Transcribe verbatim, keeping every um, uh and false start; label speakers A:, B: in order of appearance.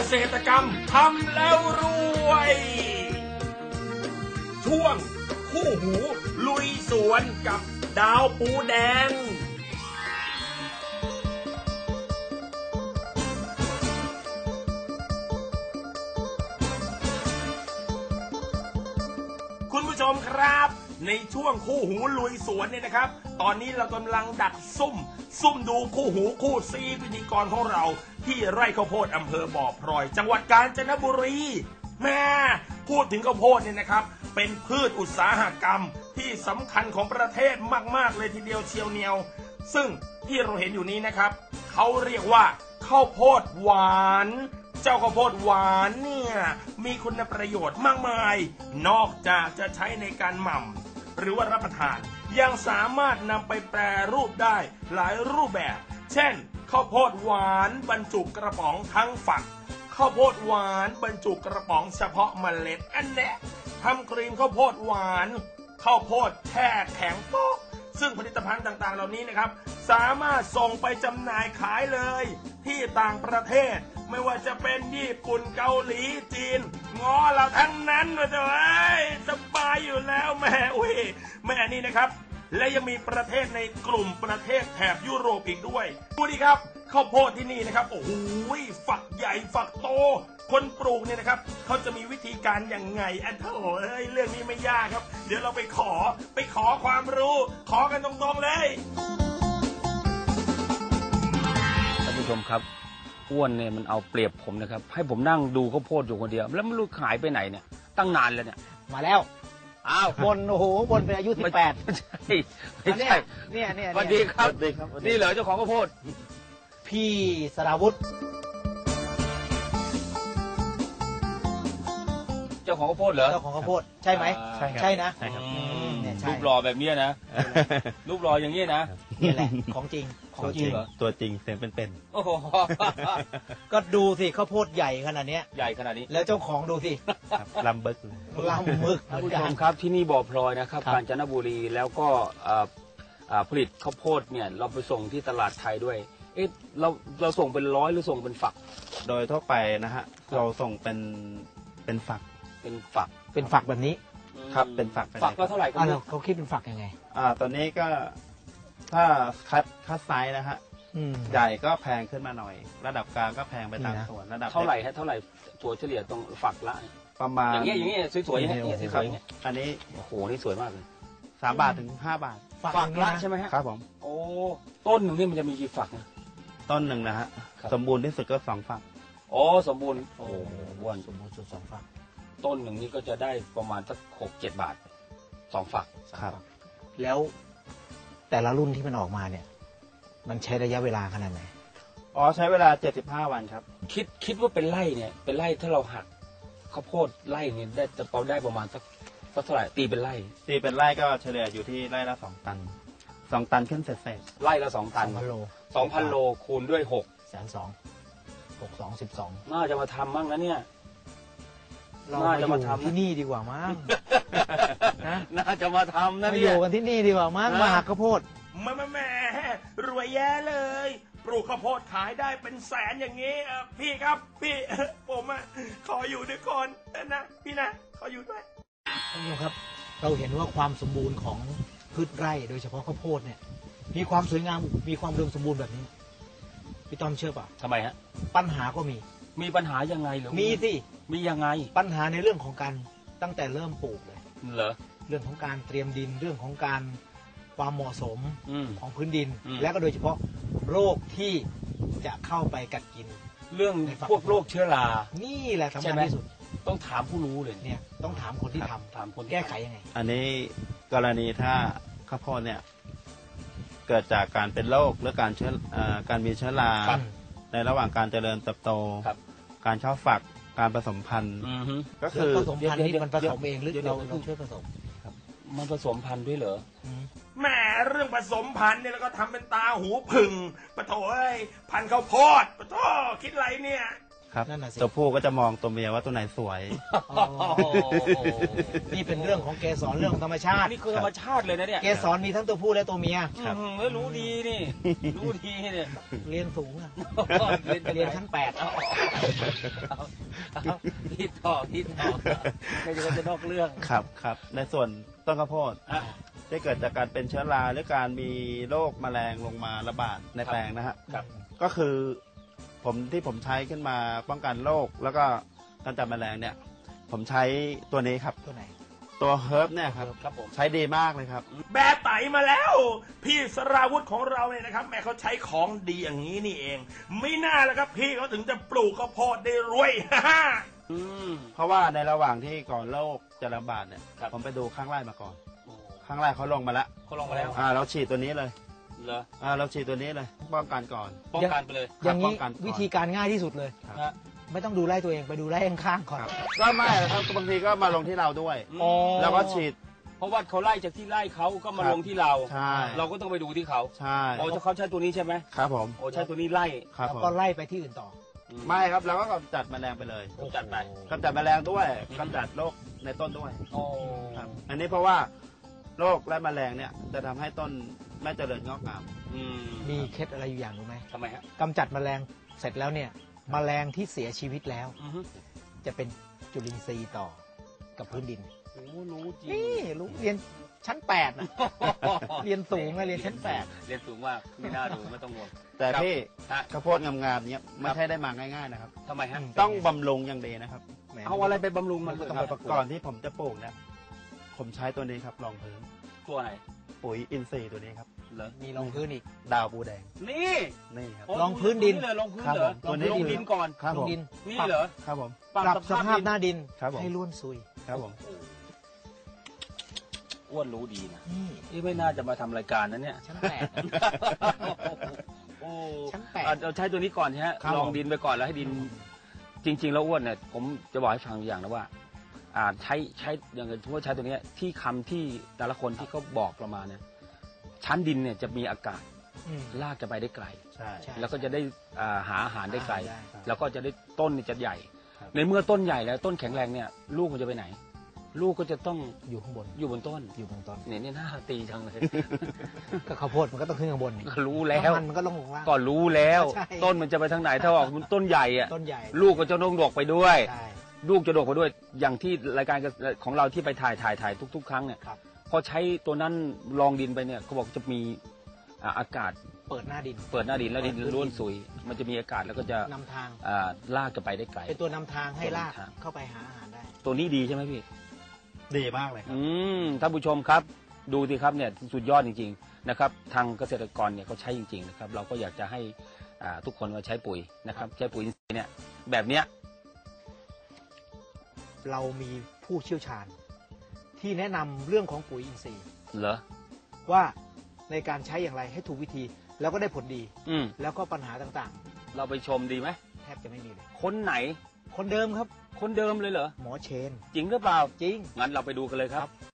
A: ษตรกรรมทำแล้วรวยช่วงคู่หูลุยสวนกับดาวปูแดงคุณผู้ชมครับในช่วงคู่หูลุยสวนเนี่ยนะครับตอนนี้เรากำลังดักซุ่มซุ่มดูคู่หูคู่ซีพิธีกรของเราที่ไร่ข้าวโพดอำเภอบ่อพลอยจังหวัดกาญจนบุรีแม่พูดถึงข้าวโพดเนี่ยนะครับเป็นพืชอุตสาหกรรมที่สำคัญของประเทศมากๆเลยทีเดียวเชียวเนียวซึ่งที่เราเห็นอยู่นี้นะครับเขาเรียกว่าข้าวโพดหวานเจ้าข้าวโพดหวานเนี่ยมีคุณประโยชน์มากมายนอกจากจะใช้ในการหม่ำหรือว่ารับประทานยังสามารถนำไปแปรรูปได้หลายรูปแบบเช่นข้าวโพดหวานบรรจุกระป๋องทั้งฝักข้าวโพดหวานบรรจุกระป๋องเฉพาะเมล็ดอันแน่ทำครีมข้าวโพดหวานข้าวโพดแช่แข็งโป๊กซึ่งผลิตภัณฑ์ต่างๆเหล่านี้นะครับสามารถส่งไปจำหน่ายขายเลยที่ต่างประเทศไม่ว่าจะเป็นญี่ปุ่นเกาหลีจีนง้อเราทั้งนั้นเลยเอ้ยสบายอยู่แล้วแม่อุ้ยแม่นี่นะครับและยังมีประเทศในกลุ่มประเทศแถบยุโรปอีกด้วยดูดิครับข้าวโพดที่นี่นะครับโอ้โหฝักใหญ่ฝักโตคนปลูกเนี่ยนะครับเขาจะมีวิธีการอย่างไงอันเถอะเอ้ยเรื่องนี้ไม่ยากครับเดี๋ยวเราไปขอไปขอความรู้ขอกันตรงๆเลย
B: ท่านผู้ชมครับอ้วนเนี่ยมันเอาเปรียบผมนะครับให้ผมนั่งดูข้าวโพดอยู่คนเดียวแล้วไม่รู้หายไปไหนเนี่ยตั้งนานแล้วเนี่ย
C: มาแล้วอ้าวบนโอ้โหบนเป็นอายุสิบแปด
B: ไม่ใช่ไม่ใช่
C: เนี่ยเนี่ย
B: สวัสดีครับนี่เหรอเจ้าของข้าวโพด
C: พี่สราวุธ
B: เจ้าของข้าวโพดเหรอ
C: เจ้าของข้าวโพดใช่ไหมใช่ใช่นะ
B: รูปหล่อแบบนี้นะรูปหล่ออย่างนี้นะ
C: นี่แหละของจริง
B: ของจริงเหรอ
D: ตัวจริงเสียงเป็น
B: ๆโอ้โห
C: ก็ดูสิข้าวโพดใหญ่ขนาดนี้
B: ใหญ่ขนาดนี้
C: แล้วเจ้าของดูสิ
D: ลำบึก
C: ลำบึก
B: ท่านผู้ชมครับที่นี่บ่อพลอยนะครับกาญจนบุรีแล้วก็ผลิตข้าวโพดเนี่ยเราไปส่งที่ตลาดไทยด้วยเอ๊ะเราเราส่งเป็นร้อยหรือส่งเป็นฝัก
D: โดยทั่วไปนะฮะเราส่งเป็นเป็นฝัก
B: เป็นฝัก
C: เป็นฝักแบบนี้
D: ครับเป็นฝัก
B: ฝักก็เท่าไหร่กัน
C: เขาคิดเป็นฝักยังไง
D: อ่าตอนนี้ก็ถ้าคัดคัดไซส์นะฮะใหญ่ก็แพงขึ้นมาหน่อยระดับกลางก็แพงไปตามส่วนระดับ
B: เท่าไหร่ฮะเท่าไหร่ตัวเฉลี่ยตรงฝักละ
D: ประมาณ
B: อย่างเงี้ยอย่างเงี้ยสวยๆอย่างเงี้ยสวย
D: ๆอันนี้
B: โอ้โหนี่สวยมากเลย
D: สามบาทถึงห้าบาท
B: ฝักละใช่ไหมฮะ
D: ครับผม
B: โอ้ต้นหนึ่งนี่มันจะมีกี่ฝัก
D: ต้นหนึ่งนะฮะสมบูรณ์ที่สุดก็สองฝัก
B: โอ้สมบูรณ์โอ้ว้วน
C: สมบูรณ์สุดสองฝัก
B: ต้นหนึ่งนี่ก็จะได้ประมาณสักหกเจ็ดบาทสองฝัก
D: ครับ
C: แล้วแต่ละรุ่นที่มันออกมาเนี่ยมันใช้ระยะเวลาขนาดไหน
D: อ๋อใช้เวลาเจ็ดสิบห้าวันครับ
B: คิดคิดว่าเป็นไร่เนี่ยเป็นไร่ถ้าเราหักข้าวโพดไร่เนี่ยได้จะเราได้ประมาณสักสักเท่าไหร่ตีเป็นไร่
D: ตีเป็นไร่ก็เฉลี่ยอยู่ที่ไร่ละสองตันสองตันขึ้นเศษ
B: ไร่ละสองตัน
C: สองพันโล
B: สองพันโลคูณด้วยหก
C: แสนสองหกสองสิบสอง
B: น่าจะมาทำมั่งนะเนี่ย
C: เราจะมาทำที่นี่ดีกว่ามั้ง
B: นะน่าจะมาทำนะ
C: เนี่ยอยู่กันที่นี่ดีกว่ามั้งมาหักข้าวโพด
A: แม่แม่รวยแย่เลยปลูกข้าวโพดขายได้เป็นแสนอย่างนี้พี่ครับพี่ผมอ่ะขออยู่ด้วยคนนะพี่นะขออยู่ด้วย
C: ท่านผู้ชมครับเราเห็นว่าความสมบูรณ์ของพืชไร่โดยเฉพาะข้าวโพดเนี่ยมีความสวยงามมีความอุดมสมบูรณ์แบบนี้พี่ต้อมเชื่อป่ะ
B: ทำไมฮะ
C: ปัญหาก็มี
B: มีปัญหายังไงเหรอ
C: มีสิ
B: มียังไง
C: ปัญหาในเรื่องของการตั้งแต่เริ่มปลูกเลย
B: เหรอ
C: เรื่องของการเตรียมดินเรื่องของการความเหมาะสมของพื้นดินและก็โดยเฉพาะโรคที่จะเข้าไปกัดกิน
B: เรื่องพวกโรคเชื้อรา
C: นี่แหละสำคัญที่สุด
B: ต้องถามผู้รู้เลย
C: เนี่ยต้องถามคนที่ทำถามคนแก้ไขยังไง
D: อันนี้กรณีถ้าข้าวโพดเนี่ยเกิดจากการเป็นโรคหรือการเชื้อการมีเชื้อราในระหว่างการเจริญเติบโตการเข้าฝักการผสมพันธุ์
C: ก็คือผสมพันธุ์นี่มันผสมเองหรือเราเราช่วยผสม
B: มันผสมพันธุ์ด้วยเหรอ
A: แหมเรื่องผสมพันธุ์เนี่ยแล้วก็ทำเป็นตาหูผึ่งปะโถเอ้ยพันธุ์ข้าวโพดปะโถคิดไรเนี่ย
D: ครับ
C: นั่นน่ะสิ
D: ตัวผู้ก็จะมองตัวเมียว่าตัวไหนสวย
C: อ๋อนี่เป็นเรื่องของเกสรเรื่องของธรรมชาติ
B: นี่คือธรรมชาติเลยนะเนี่ย
C: เกสรมีทั้งตัวผู้และตัวเมีย
D: ครับ
B: อืมเฮ้ยรู้ดีนี่ รู้ดีเนี่ย
C: เรียนสูงอะ
B: เรียน
C: เรียนชั้นแปด
B: เอาเอาเอาที่ต่อที่ต่อไม่ใช่ว่าจะนอกเรื่อง
D: ครับครับในส่วนต้นข้าวโพด
B: อ่ะ
D: ที่เกิดจากการเป็นเชื้อราหรือการมีโรคแมลงลงมาระบาดในแปลงนะฮะ
B: ครับ
D: ก็คือผมที่ผมใช้ขึ้นมาป้องกันโรคแล้วก็กำจัดแมลงเนี่ย ผมใช้ตัวนี้ครับ
C: ตัวไหน
D: ตัวเฮิร์บเนี่ยครับ
B: ครับผม
D: ใช้ดีมากเลยครับ
A: แบบไตมาแล้ว พี่สราวุธของเราเนี่ยนะครับแม่เขาใช้ของดีอย่างนี้นี่เอง ไม่น่าแล้วครับพี่เขาถึงจะปลูกข้าวโพดได้รวย
B: อืม
D: เพราะว่าในระหว่างที่ก่อนโรคจะระบาดเนี่ย
B: ครับ
D: ผมไปดูข้างไร่มาก่อน
B: โอ้
D: ข้างไร่เขาลงมาแล้ว
B: เขาลงมาแล้ว
D: อ่าเราฉีดตัวนี้เลย
B: เหรอ
D: อ่าเราฉีดตัวนี้เลยป้องกันก่อน
B: ป้องกันไปเลย
C: อย่าง
D: ป้
C: นี้
D: องกันก่อน
C: วิธีการง่ายที่สุดเลย
D: ครับ
B: นะ
C: ไม่ต้องดูไร่ตัวเองไปดูไร่ข้างๆก่อน
D: ก็ไม่หรอกครับบางทีก็มาลงที่เราด้วย
B: อ๋อ
D: แล้วก็ฉีด
B: เพราะว่าเขาไล่จากที่ไล่เขาก็มา
D: ครับ
B: ลงที่เรา
D: ใช่
B: เราก็ต้องไปดูที่เขา
D: ใช่
B: โอ้เขาใช้ตัวนี้ใช่ไหม
D: ครับผม
B: โอ้ใช้ตัวนี้ไล่
D: ครับ
C: แล้ว
D: ผม
C: ก็ไล่ไปที่อื่นต่อ
B: อื
D: ไม่ครับเราก็กำจัดแมลงไปเลย
B: กำจัดไป
D: กำจัดแมลงด้วยกำจัดโรคในต้นด้วย
B: โอ้
D: ครับอันนี้เพราะว่าโรคและแมลงเนี่ยจะทำให้ต้นไม่เจริญงอกงาม
B: อืม
C: มีเคล็ดอะไรอยู่อย่างรู้ไหม
B: ทำไมฮะ
C: กำจัดแมลงเสร็จแล้วเนี่ยแมลงที่เสียชีวิตแล้ว
B: อือฮึ
C: จะเป็นจุลินทรีย์ต่อกับพื้นดิน
B: โอ้รู้จริง
C: นี่รู้เรียนชั้นแปดนะเรียนสูงนะเรียนชั้นแปด
B: เรียนสูงมากไม่น่าดูไม่ต้องห่วง
D: แต่
B: ครับ
D: พี่
B: ฮะ
D: ข้าวโพดงามๆเนี้ยไม่ใช่ได้มาง่ายๆนะครับ
B: ทำไมฮะ
D: ต้องบำรุงอย่างดีนะครับ
C: แหม
B: เอาอะไรไปบำรุง
C: มั
B: มัน น
C: ก็
B: ต้
C: ต้
B: อ
C: อง ง
B: ไป
C: ไป
B: ประก
C: ก่
B: อ
D: ก่อน นที่ผมจะปลูกเนี่ยผมใช้ตัวนี้ครับรองพื้น
B: ตัวไหน
D: ปุ๋ยอินทรีย์ตัวนี้ครับ
B: เหรอ
C: มีรองพื้นอีก
D: ดาวบูแดง
B: นี่
D: นี่ครับ
B: โอ้
C: ลองพื้นดิน
B: เลยลองพื้น
D: ครับ
B: เหรอ
D: ผมตัวนี้
B: ลงดินก่อน
D: ครับ
C: ล
D: ผ
C: ง
D: ม
C: ดิน
B: นี่เหรอ
D: ครับผม
C: ปรับสภาพหน้าดิน
D: ครับผม
C: ให้ร่วนซุย
D: ครับผม
B: อ้วนรู้ดีนะ
C: นี่
B: นี่ไม่น่าจะมาทำรายการนะเนี่ย
C: ชั้นแปด
B: โอ้
C: ชั้นแปด
B: อ่ะเราใช้ตัวนี้ก่อนใช่ไหม
D: ครับ
B: ลอง
D: ผม
B: ดินไปก่อนแล้วให้ดิน จริง ๆ แล้วอ้วนเนี่ยผมจะบอกให้ฟังอย่างนะว่า อ่าใช้ใช้อย่างที่ว่าใช้ตัวเนี้ยที่คำที่แต่ละคนที่เขาบอกเรามาเนี่ยชั้นดินเนี่ยจะมีอากาศ
C: อืม
B: ลากจะไปได้ไกล
D: ใช่
C: ใช่
B: แล้วก็จะได้อ่าหาอาหารได้ไกล
C: ได้
B: แล้วก็จะได้ต้นเนี่ยจะใหญ่
D: ครับ
B: ในเมื่อต้นใหญ่แล้วต้นแข็งแรงเนี่ย ลูกมันจะไปไหน ลูกก็จะต้อง
C: อยู่ข้างบน
B: อยู่บนต้น
C: อยู่บนต้น
B: เนี่ยเนี่ยน่าตีจังเลย
C: ก็ข้าวโพดมันก็ต้องขึ้นข้างบนนี่
B: ก็รู้แล้ว
C: น้ำมันมันก็ลงลงล่าง
B: ก็รู้แล้ว
C: ใช่
B: ต้นมันจะไปทางไหนถ้าออกมันต้นใหญ่อะ
C: ต้นใหญ่
B: ลูกก็จะต้องดกไปด้วย
C: ใช่
B: ลูกจะดกไปด้วย อย่างที่รายการของเราที่ไปถ่ายถ่ายถ่ายทุก ๆ ครั้งเนี่ย
C: ครับ
B: พอใช้ตัวนั้นลองดินไปเนี่ยเขาบอกจะมีอ่าอากาศ
C: เปิดหน้าดิน
B: เปิดหน้าดินแล้วดิน
C: เปิดพื้นดิน
B: ร่วนซุย มันจะมีอากาศแล้วก็จะ
C: นำทาง
B: อ่าลากจะไปได้ไกล
C: เป็นตัวนำทางให้
B: ตัวนำ
C: ลาก
B: ทาง
C: เข้าไปหาอาหารได้
B: ตัวนี้ดีใช่ไหมพี่
D: ดีมากเลยครับ
B: อืมท่านผู้ชมครับ ดูสิครับเนี่ยสุดยอดจริงๆนะครับ ทางเกษตรกรเนี่ยเขาใช้จริงๆนะครับ เราก็อยากจะให้อ่าทุกคนมาใช้ปุ๋ยนะครับใช้ปุ๋ยอินทรีย์เนี่ยแบบเนี้ย
C: เรามีผู้เชี่ยวชาญ ที่แนะนำเรื่องของปุ๋ยอินทรีย์
B: เหรอ
C: ว่าในการใช้อย่างไรให้ถูกวิธี แล้วก็ได้ผลดี
B: อืม
C: แล้วก็ปัญหาต่าง
B: เราไปชมดีไหม
C: ๆ แทบจะไม่มีเลย
B: คนไหน
C: คนเดิมครับ
B: คนเดิมเลยเหรอ
C: หมอเชน
B: จริงหรือเปล่า
C: จริง
B: งั้นเราไปดูกันเลยครับ